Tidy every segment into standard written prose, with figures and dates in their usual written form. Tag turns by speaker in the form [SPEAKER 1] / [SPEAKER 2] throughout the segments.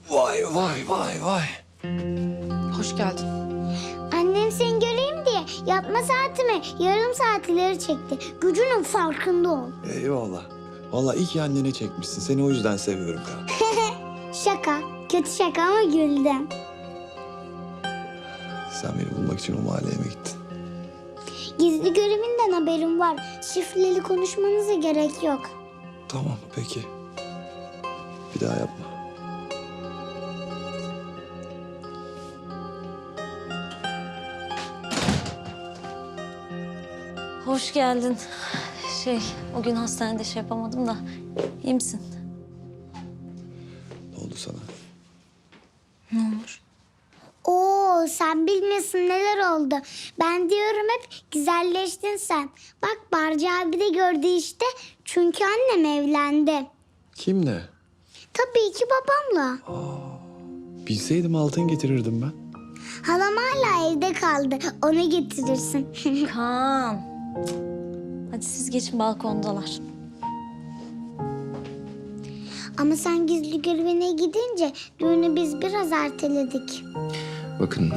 [SPEAKER 1] Vay vay vay vay.
[SPEAKER 2] Hoş geldin.
[SPEAKER 3] Annem seni göreyim diye yatma saatimi yarım saat ileri çekti. Gücünün farkında ol.
[SPEAKER 1] Eyvallah. Vallahi iyi ki annene çekmişsin. Seni o yüzden seviyorum Kaan.
[SPEAKER 3] Şaka. Kötü şaka ama güldüm.
[SPEAKER 1] Sen beni bulmak için o mahalleye mi gittin?
[SPEAKER 3] Gizli görevinden haberim var. Şifreli konuşmanıza gerek yok.
[SPEAKER 1] Tamam peki. Bir daha yapma.
[SPEAKER 4] Hoş geldin. O gün hastanede yapamadım da. İyi misin?
[SPEAKER 1] Ne oldu sana?
[SPEAKER 4] Ne olur?
[SPEAKER 3] Oo, sen bilmiyorsun neler oldu. Ben diyorum hep güzelleştin sen. Bak Barcı abi de gördü işte. Çünkü annem evlendi.
[SPEAKER 1] Kimle?
[SPEAKER 3] Tabii ki babamla.
[SPEAKER 1] Bilseydim altın getirirdim ben.
[SPEAKER 3] Halam hala evde kaldı. Onu getirirsin.
[SPEAKER 4] Kaan. Hadi siz geçin, balkondalar.
[SPEAKER 3] Ama sen gizli görevine gidince düğünü biz biraz erteledik.
[SPEAKER 5] Bakın,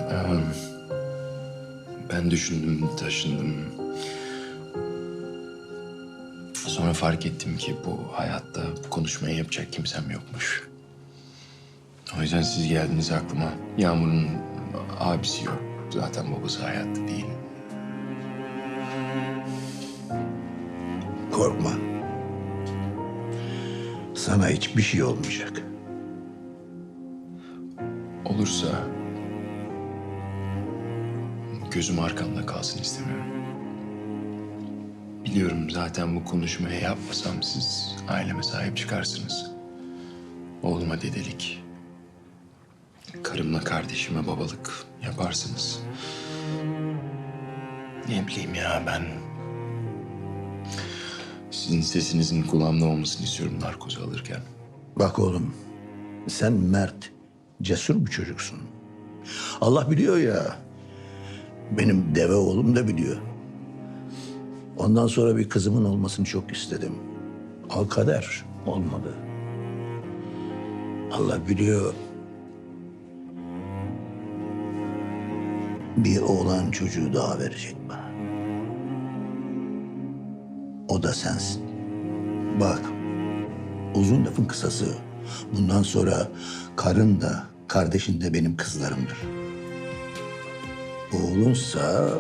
[SPEAKER 5] ben düşündüm, taşındım. Sonra fark ettim ki bu hayatta bu konuşmayı yapacak kimsem yokmuş. O yüzden siz geldiniz aklıma. Yağmur'un abisi yok. Zaten babası hayatta değil.
[SPEAKER 6] Korkma. Sana hiçbir şey olmayacak.
[SPEAKER 5] Olursa gözüm arkamda kalsın istemiyorum. Biliyorum zaten bu konuşmayı yapmasam siz aileme sahip çıkarsınız. Oğluma dedelik, karımla kardeşime babalık yaparsınız. Ne bileyim ya, ben sizin sesinizin kulağımda olmasını istiyorum narkozu alırken.
[SPEAKER 6] Bak oğlum, sen mert, cesur bir çocuksun. Allah biliyor ya, benim deve oğlum da biliyor. Ondan sonra bir kızımın olmasını çok istedim. Al kader, olmadı. Allah biliyor. Bir oğlan çocuğu daha verecek bana. O da sensin. Bak, uzun lafın kısası. Bundan sonra karın da, kardeşin de benim kızlarımdır. Oğlunsa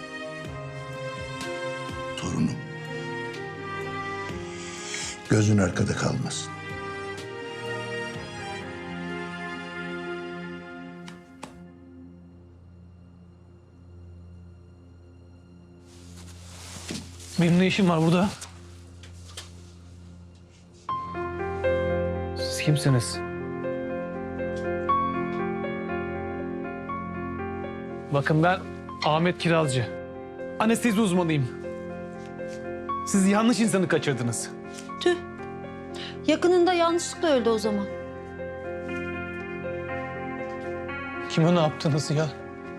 [SPEAKER 6] torunum. Gözün arkada kalmasın.
[SPEAKER 7] Benim ne işim var burada? Siz kimsiniz? Bakın ben Ahmet Kirazcı. Anestezi uzmanıyım. Siz yanlış insanı kaçırdınız.
[SPEAKER 2] Tüh. Yakınında yanlışlıkla öldü o zaman.
[SPEAKER 7] Kime ne yaptınız ya?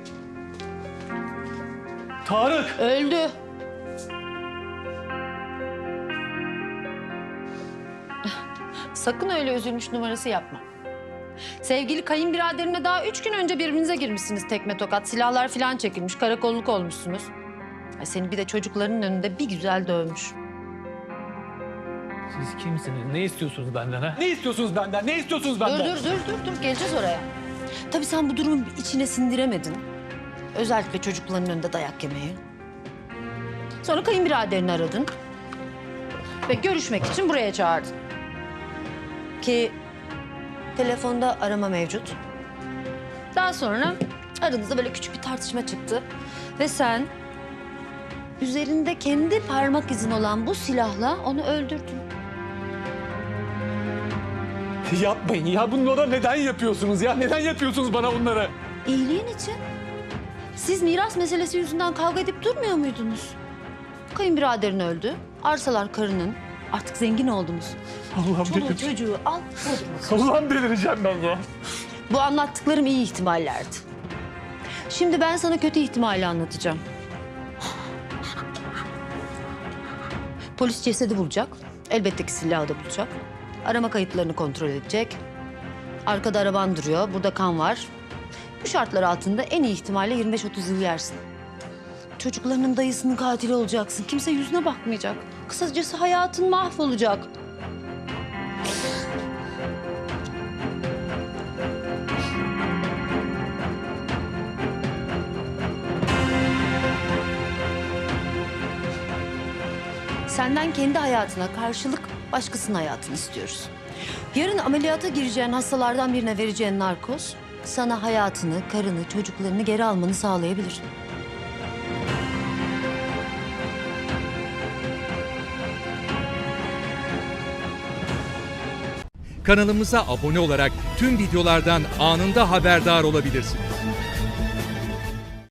[SPEAKER 7] Tarık!
[SPEAKER 2] Öldü. Sakın öyle üzülmüş numarası yapma. Sevgili kayınbiraderimle daha 3 gün önce birbirinize girmişsiniz tekme tokat. Silahlar falan çekilmiş, karakolluk olmuşsunuz. Ay seni bir de çocukların önünde bir güzel dövmüş.
[SPEAKER 7] Siz kimsiniz? Ne istiyorsunuz benden ha? Ne istiyorsunuz benden? Ne istiyorsunuz benden?
[SPEAKER 2] Dur. Geleceğiz oraya. Tabii sen bu durumu içine sindiremedin. Özellikle çocukların önünde dayak yemeyi. Sonra kayınbiraderini aradın. Ve görüşmek için buraya çağırdın. Ki telefonda arama mevcut. Daha sonra aranızda böyle küçük bir tartışma çıktı. Ve sen üzerinde kendi parmak izin olan bu silahla onu öldürdün.
[SPEAKER 7] Yapmayın ya. Bunları neden yapıyorsunuz ya? Neden yapıyorsunuz bana bunları?
[SPEAKER 2] İyiliğin için. Siz miras meselesi yüzünden kavga edip durmuyor muydunuz? Kayınbiraderin öldü. Arsalar karının. Artık zengin oldunuz.
[SPEAKER 7] Allah'ım
[SPEAKER 2] Çoluğu
[SPEAKER 7] delireceğim.
[SPEAKER 2] çocuğu al. Bodrum'a.
[SPEAKER 7] Allah'ım delireceğim ben ya.
[SPEAKER 2] Bu anlattıklarım iyi ihtimallerdi. Şimdi ben sana kötü ihtimali anlatacağım. Polis cesedi bulacak. Elbette ki silahı da bulacak. Arama kayıtlarını kontrol edecek. Arkada araban duruyor, burada kan var. Bu şartlar altında en iyi ihtimalle 25-30 yıl yersin. Çocuklarının dayısının katili olacaksın. Kimse yüzüne bakmayacak. Kısacası hayatın mahvolacak. Senden kendi hayatına karşılık başkasının hayatını istiyoruz. Yarın ameliyata gireceğin hastalardan birine vereceğin narkoz sana hayatını, karını, çocuklarını geri almanı sağlayabilir.
[SPEAKER 8] Kanalımıza abone olarak tüm videolardan anında haberdar olabilirsiniz.